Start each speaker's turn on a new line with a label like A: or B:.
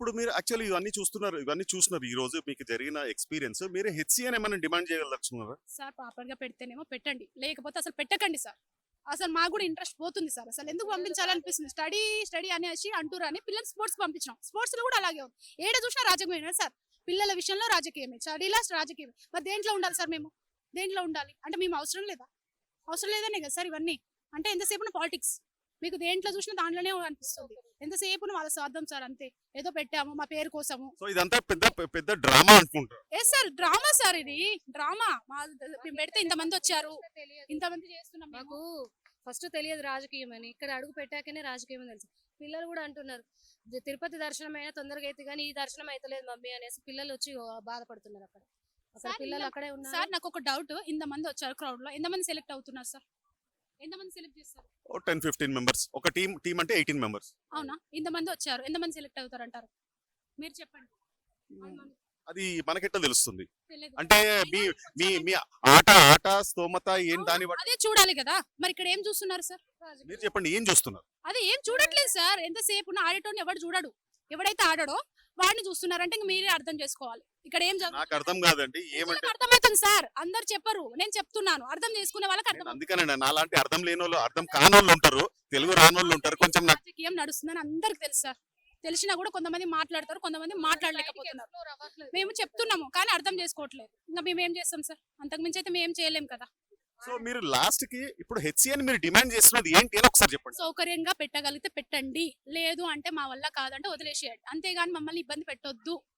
A: ఇప్పుడు మీరు యాక్చువల్లీ ఇవన్నీ చూస్తున్నారు ఈ రోజు మీకు జరిగిన ఎక్స్పీరియన్స్. మీరు హెచ్‌సీఎన్ ఏమైనా డిమాండ్ చేయదలుచుకున్నారా?
B: సార్ ప్రాపర్‌గా పెడితేనేమో పెట్టండి. లేకపోతే అసలు పెట్టకండి సార్. అసలు మాకు కూడా ఇంట్రెస్ట్ పోతుంది సార్. అసలు ఎందుకు పంపించాలనిపిస్తుంది. స్టడీ అనేసి అంటురని పిల్లల్ని స్పోర్ట్స్ పంపించినాం. స్పోర్ట్స్‌లో కూడా అలాగే ఉంది. ఏడ చూసినా రాజకీయమే సార్. పిల్లల విషయంలో రాజకీయమే. స్టడీలో రాజకీయమే. మరి దేంట్లో ఉండాలి సార్ మేము? దేంట్లో ఉండాలి? అంటే మేము అవసరం లేదా? అవసరం లేదనే కదా సార్ ఇవన్నీ. అంటే ఎంతసేపున పాలిటిక్స్. మీకు దేంట్లో చూసినా దాంట్లోనే అనిపిస్తుంది. ఎంతసేపున వాళ్ళ స్వార్థం సార్ అంతే. ఏదో పెట్టాము మా పేరు కోసము.
A: సో ఇదంతా పెద్ద పెద్ద డ్రామా అనుకుంటా.
B: సార్ డ్రామా సార్ ఇది. డ్రామా. మేము పెడితే ఇంతమంది వచ్చారు. ఇంతమంది చేస్తున్నాం మేము.
C: మాకు ఫస్ట్ తెలియదు రాజకీయం అని, ఇక్కడ అడుగు పెట్టాకనే రాజకీయం అని తెలుసు. పిల్లలు కూడా అంటున్నారు తిరుపతి దర్శనం అయినా తొందరగా అయితే కానీ ఈ దర్శనం అయితలేదు మమ్మీ అనేసి పిల్లలు వచ్చి బాధపడుతున్నారు. అక్కడ
B: సార్,
C: పిల్లలు అక్కడే ఉన్నారు.
B: సార్ నాకు ఒక డౌట్. ఇంతమంది వచ్చారు క్రౌడ్ లో, ఎంతమంది సెలెక్ట్ అవుతున్నారు సార్? ఎంతమంది సెలెక్ట్ చేస్తారు?
A: 10-15 మెంబర్స్. ఒక టీం అంటే 18 మెంబర్స్.
B: అవునా? ఇంతమంది వచ్చారు, ఎంతమంది సెలెక్ట్ అవుతారు అంటారు? మీరు చెప్పండి.
A: అది మనకెట్లా తెలుస్తుంది?
B: తెలియదు.
A: అంటే మీ మీ మీ ఆట స్తోమత ఏం దాని బట్టి
B: అదే చూడాలి కదా. మరి ఇక్కడ ఏం చూస్తున్నారు సార్?
A: మీరు చెప్పండి ఏం చూస్తున్నారు?
B: అదే ఏం చూడట్లేదు సార్. ఎంతసేపు ఆడేటోని ఎవడు చూడడు. ఎవడైతే ఆడడో వాడిని చూస్తున్నారంటే ఇంక మీరే అర్థం చేసుకోవాలి. ఇక్కడ ఏం
A: నాకు అర్థం కాదండి. ఏమంటే
B: అర్థమవుతుంది సార్. అందరు చెప్పరు, నేను చెప్తున్నాను. అర్థం చేసుకునే వాళ్ళకి అర్థం.
A: అందుకనండి నాలాంటి అర్థం లేనోళ్ళు, అర్థం కానోళ్ళు ఉంటారు, తెలుగు రానోళ్ళు ఉంటారు. కొంచెం నాకు
B: రాజకీయం నడుస్తుందని అందరికి తెలుసు సార్. తెలిసినా కూడా కొంతమంది మాట్లాడతారు, కొంతమంది మాట్లాడలేకపోతున్నారు. మేము చెప్తున్నాము కానీ అర్థం చేసుకోవట్లేదు. ఇంకా మేము ఏం చేస్తాం సార్? అంతకు మించి అయితే మేము ఏం చేయలేం కదా.
A: సో మీరు లాస్ట్ కి ఇప్పుడు హెచ్‌సీఎన్ మీరు డిమాండ్ చేస్తున్నది ఏంటి అని ఒకసారి చెప్పండి.
B: సౌకర్యంగా పెట్టగలిగితే పెట్టండి, లేదు అంటే మా వల్ల కాదంటే వదిలేసేయండి. అంతేగాని మమ్మల్ని ఇబ్బంది పెట్టొద్దు.